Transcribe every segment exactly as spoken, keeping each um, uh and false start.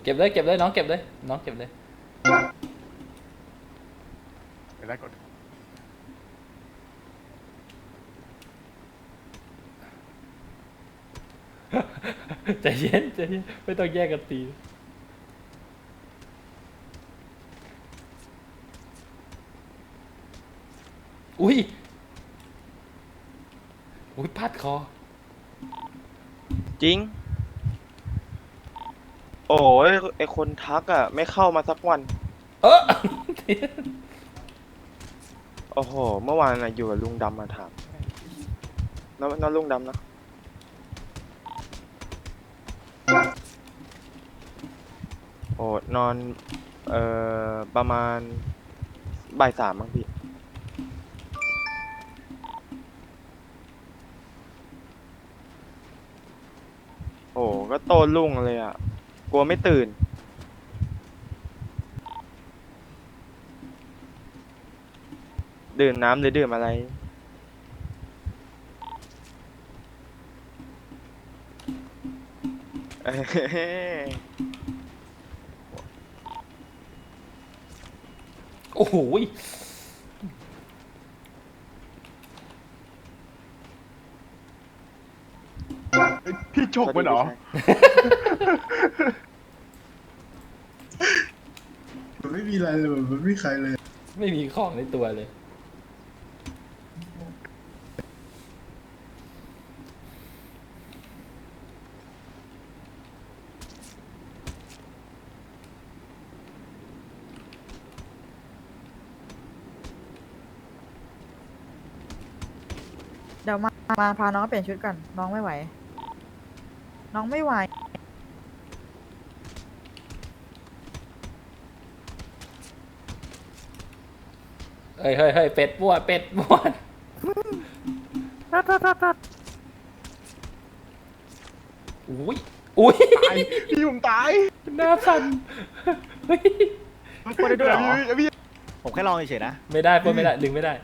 ก็บเลยเก็บเลยน้องเก็บเลยน้องเก็บเลยไม่ได้กดใจเย็นใจเย็นไม่ต้องแยกกันตีอุ้ยอุ้ยพาดคอจริงโอ้ยไอคนทักอ่ะไม่เข้ามาสักวันเออโอ้โหเมื่อวานน่ะอยู่กับลุงดำมาถามน้องน้องลุงดำนะโอ้นอนเอ่อประมาณบ่ายสามมั้งพี่โอ้ก็โตลุ่งเลยอ่ะกลัวไม่ตื่นดื่มน้ำหรือดื่มอะไรเอ้ยโอ้โหพี่โชคมันเหรอมันไม่มีอะไรเลยมันไม่มีใครเลยไม่มีของในตัวเลยเดี๋ยวมามาพาน้องเปลี่ยนชุดก่อนน้องไม่ไหว น้องไม่ไหวเฮ้ยเฮ้ยเฮ้ยเป็ดมั่วเป็ดมั่วอุ้ยอุ้ยตายพี่ผมตายหน้าสั่นเฮ้ยมันปล้นได้ด้วยเหรอพี่พี่ผมแค่ลองเฉยๆนะไม่ได้ปล้นไม่ได้ดึงไม่ได้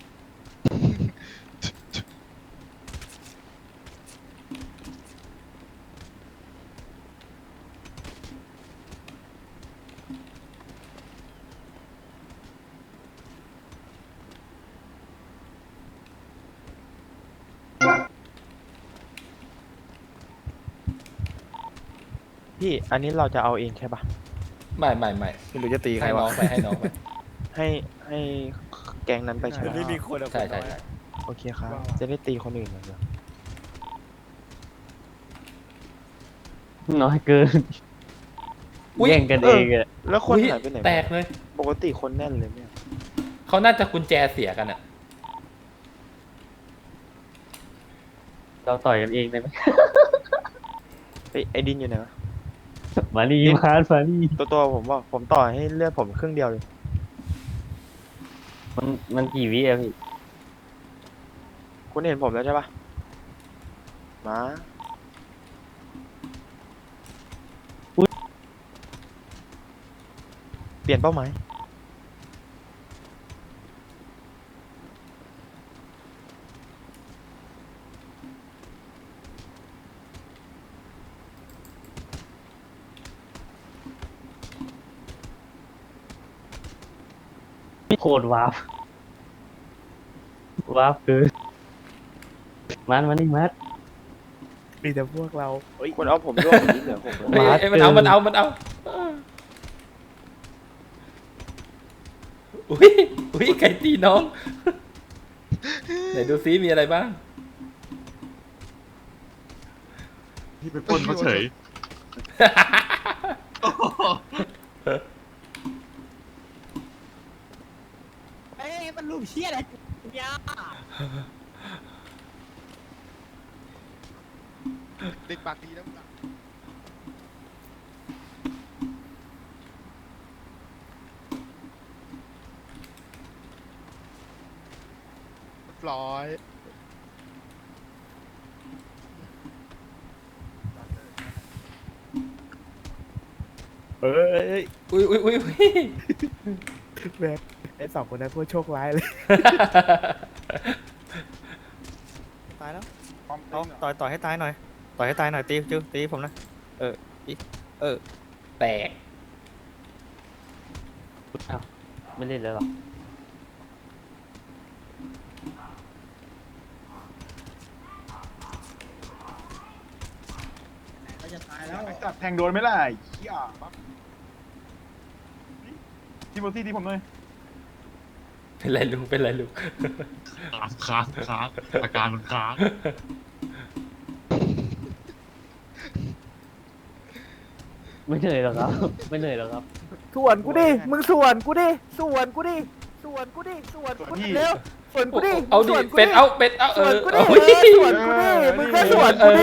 พี่อันนี้เราจะเอาเองใช่ปะไม่ไม่ไม่ไม่รู้จะตีใครให้น้วะองไปให้น้องไปให้ให้แกงนั้นไปใช่ไหมไม่มีคนอะใช่ใช่คนน้อยใช่อะโอเคครับ จะได้ตีคนอื่นเหมือนกันน้อยเกินอุ๊ยแย่งกันเองอะแล้วคนอุ๊ยหายไปไหนแตกเลยปกติคนแน่นเลยเนี่ยเขาน่าจะกุญแจเสียกันอะเราต่อยกันเองได้ไหมไอยไอดินอยู่ไหนวะมาดีมามาดีตัวตัวผมว่าผมต่อให้เลือดผมครึ่งเดียวเลยมันมันกี่วิอะพี่คุณเห็นผมแล้วใช่ปะมาเปลี่ยนเป้าหมายโคตรวาร์ปวาร์ปเกินมันมันนี่มัดมีแต่พวกเราเฮ้ยคุณเอาผมร่วมอย่างนี้เหลือหกแล้วเอ้ยมาเอ้ยมันเอาเกินมันเอามันเอาอุ้ยอุ้ยไก่ตีน้องไหนดูซิมีอะไรบ้างพี่ไปปล้นเขาเฉยเอ้ยมันรูปเชี่ยอะไรยาเด็กปากดีนะมึงอะเรียบร้อยเอ้ยอุ้ยอุ้ยอุ้ยอุ้ยแบบไอ้สองคนนั้นพวกโชคร้ายเลยตายแล้วเอาต่อยต่อยให้ตายหน่อยต่อยให้ตายหน่อยตีจิ้วตีผมนะเออตีเออแตกอ้าวไม่เล่นแล้วหรอก็จะตายแล้วจับแทงโดนไหมล่ะไอ้เหี้ยปั๊บที่โมซี่ที่ผมเลยเป็นไรลุงเป็นไรลุงค้างค้างค้างอาการมันค้างไม่เหนื่อยหรอกครับ ไม่เหนื่อยหรอกครับส่วนกูดิ มึงส่วนกูดิ ส่วนกูดิ ส่วนกูดิ ส่วนกูดิเร็วส่วนกูดิเอาดิส่วนกูเป็ดเอาเป็ดเอาเอส่วนอกูดิเอาเออส่วนกูดิ มึงก็ส่วนกูดิ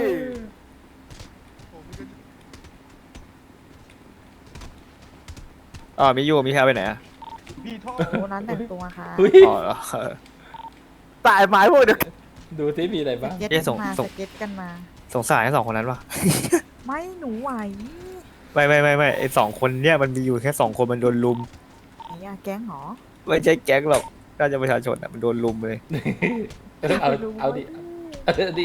อ๋อมีอยู่มีแค่ไปไหนอ่ะพี่โทษโอ้นั้นแต่งตัวค่ะเฮ้ยอ๋อเหรอตายหมายพวกเดียวกันดูสิมีอะไรสบ้างเก็ตเอ๊ะส่กันงมาส่งสเก็ตกันมาสงสารไอ้สองคนนั้นวะไม่หนูไหวไม่ไม่ไม่ไม่ไอ้สองคนเนี่ยมันมีอยู่แค่สองคนมันโดนลุมไหนอะแก๊งเหรอไม่ใช่แก๊งหรอกน่าจะประชาชนอ่ะมันโดนลุมเลยเออเอาเอาดิเอาดิ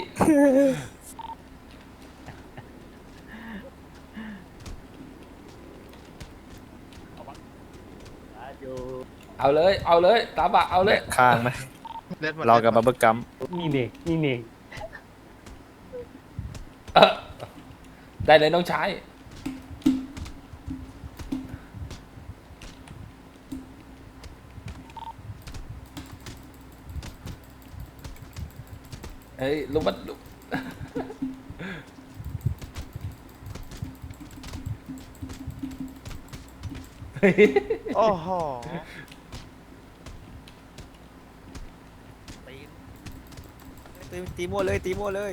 เอาเลยเอาเลยตาบะเอาเลยข้างไหมเล่นหมดรอกับบับเบิ้ลกัมนี่เน่นี่เน่เออได้เลยน้องชายเฮ้ยลุงมันลุงเฮ้ยโอ้โหตีตีมั่วเลยตีมั่วเลย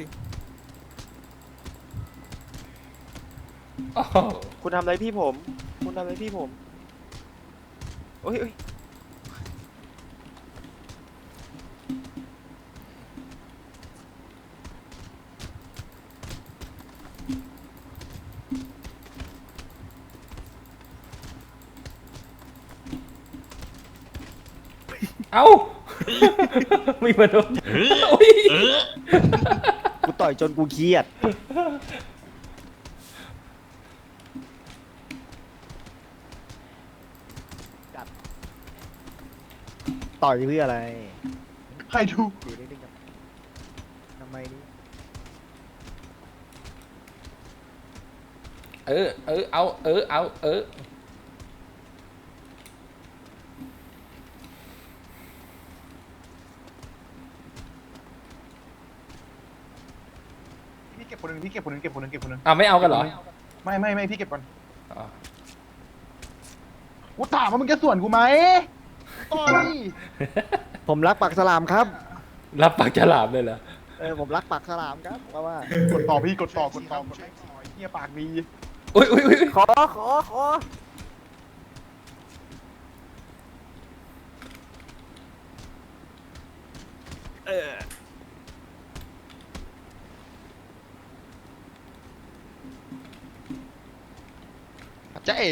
โอ้โหคุณทำอะไรพี่ผม คุณทำอะไรพี่ผมโอ้ยโอ้ยเอ้า มีมาโดนเฮ้ยโอ้ยเออกูต่อยจนกูเครียดต่อยเพื่ออะไรใครดูอยู่นิ่งๆครับทำไมนี่เออเออเอาเออเอาเออพี่เก็บคนหนึ่งพี่เก็บคนหนึ่งเก็บคนหนึ่งเก็บคนหนึ่งอ่ะไม่เอากันเหรอไม่ไม่ไม่พี่เก็บก่อนอ๋อกูถามว่ามึงจะส่วนกูไหมต่อยผมรักปักสลามครับรับปากฉลามเลยเหรอเออ ผมรักปักสลามครับเพราะว่ากดต่อพี่กดต่อกดต่อกดต่อเฮียปากดีอุ้ยอุ้ยอุ้ยขอ ขอ ขอจะเอ๋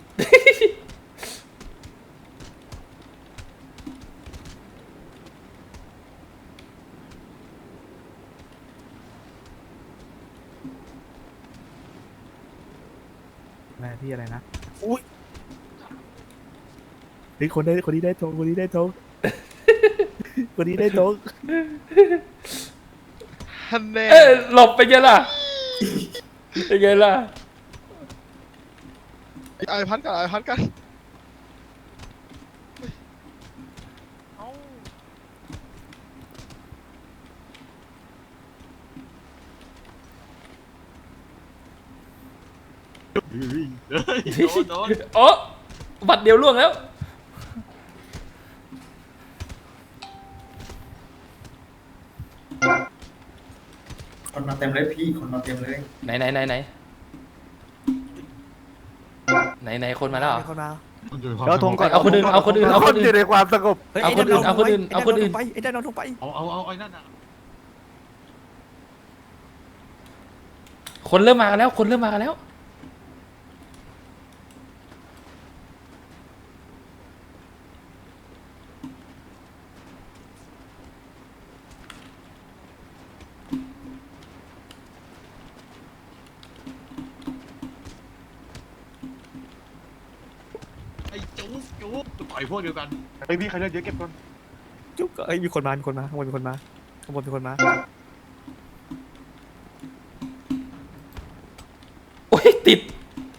อะไรพี่อะไรนะ อุ้ยเฮ้ยคนได้คนนี้ได้ทงคนนี้ได้ทง คนนี้ได้ทงฮันเน่เอ้ยหลบไปไงล่ะเป็นไงล่ะไอพันกันไอพันกันเฮ้ยเฮ้ยโดนโดนโอ้บัตรเดียวล่วงแล้วคนมาเต็มเลยพี่คนมาเต็มเลยไหนไหนไหนไหนไหนไหนคนมาแล้วเหรอคนมาเดี๋ยวเดี๋ยวทงก่อนเอาคนอื่นเอาคนอื่นเอาคนอื่นอยู่ในความสงบเอาคนอื่นเอาคนอื่นเอาคนอื่นไอ้ได้นอนทงไปเอาเอาเอาไอ้นั่นอ่ะคนเริ่มมากันแล้ว คนเริ่มมากันแล้วจู๊ต่อยพวกเดียวกันไอยพี่ใครเลือดเยอะเก็บก่อนจุ๊บเอ้ยมีคนมามีคนมาข้างบนมีคนมาข้างบนมีคนมาโอ้ยติด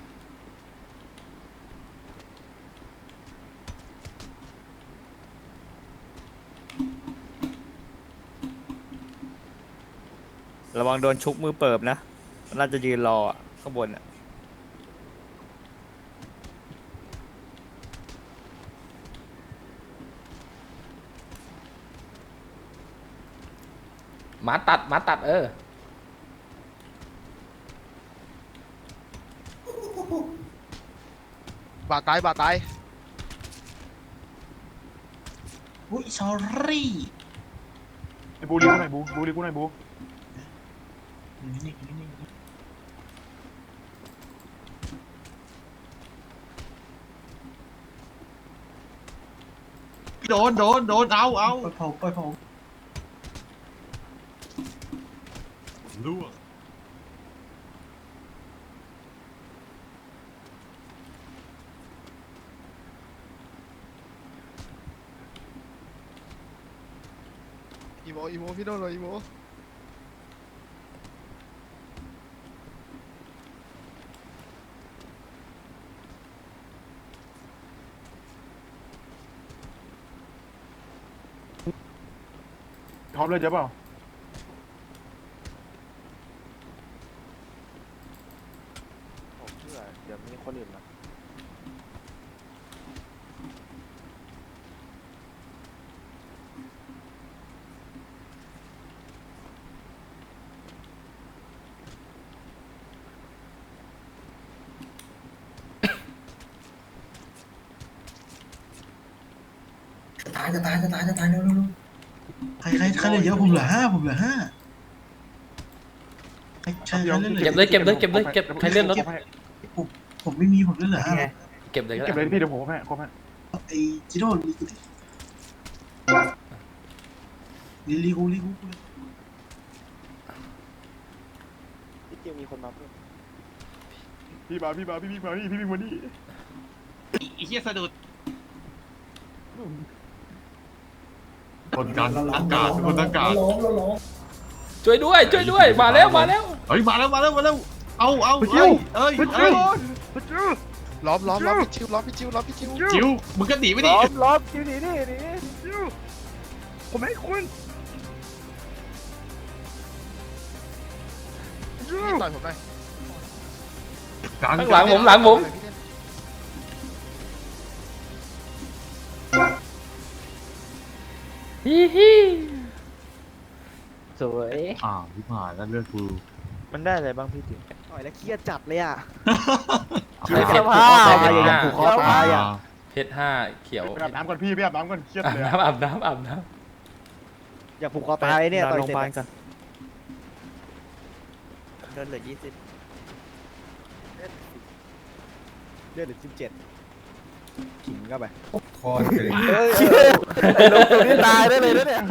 ระวังโดนชุบมือเปิบนะน่าจะยืนรออะข้างบนอ่ะหมาตัดหมาตัดเออบาดตายบาดตายอุ้ยสอรี่ไอ้บูรีกูหน่อยบูบูรีกูหน่อยบูนี่นี่นี่โดนโดนโดนเอาเอาปล่อยผมปล่อยผมล่วงอีโมอีโมพี่โดนเลยอีโมท็อปเลยเจ๊เปล่าผมเชื่อเดี๋ยวมีคนอื่นมาจะตายจะตายจะตายจะตายเร็วเร็วเร็วใครใครใครเหลือเยอะผมเหลือห้าผมเหลือห้าใครใครใครเหลือเก็บเลยเก็บเลยเก็บเลยเก็บใครเลื่อนรถผมผมไม่มีผมเหลือห้าเก็บเลยก็เก็บเลได้ยพี่เดี๋ยวผมให้ครบให้ไอ้จิโร่ลีกูดิลีกูลีกูพี่เกียวมีคนมาเพิ่มพี่มาพี่มาพี่พี่มานี่พี่พี่มานี่ไอ้เหี้ยสะดุดคนกันอากาศคนอากาศช่วยด้วยช่วยด้วยมาแล้วมาแล้วเฮ้ยมาแล้วมาแล้วมาแล้วเอาเอาเอ้ยเอ้ยเอ้ยล้อมล้อมล้อมพี่ชิวล้อมพี่ชิวล้อมพี่ชิวจิ๋วมึงก็หนีไปดิล้อมล้อมคิวหนีนี่หนีผมให้คุณพี่ต่อยผมหน่อยข้างหลังผมหลังผมฮิฮิสวยอ่าวพี่ผ่านแล้วเลือดกูมันได้อะไรบ้างพี่ติ๋วต่อยแล้วเครียดจัดเลยอ่ะเพชรเสื้อห้าผ้าเพชรอย่าห้าผูกคอตายอ่ะเพชรห้าเขียวไปอาบน้ำก่อนพี่ไปอาบน้ำก่อนเครียดอาบเลยน้ำอาบน้ำอาบน้อย่าผูกคอตายเนี่ยต่อยโรงพเสร็ยาบาลจกันเดินเหลือยี่สิบเลือดเหลือสิบเจ็ดขิงเข้าไปคอเลยเฮ้ยลงตรงนี้ตายได้เลยนะเนี่ย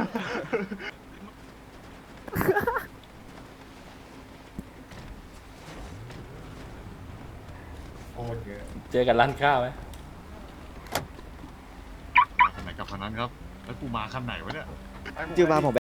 โคตรเยอะำเจอกันร้านข้าวไหมมาคันไหนกับคันนั้นครับแล้วกูมาคันไหนวะเนี่ยจิวมาผม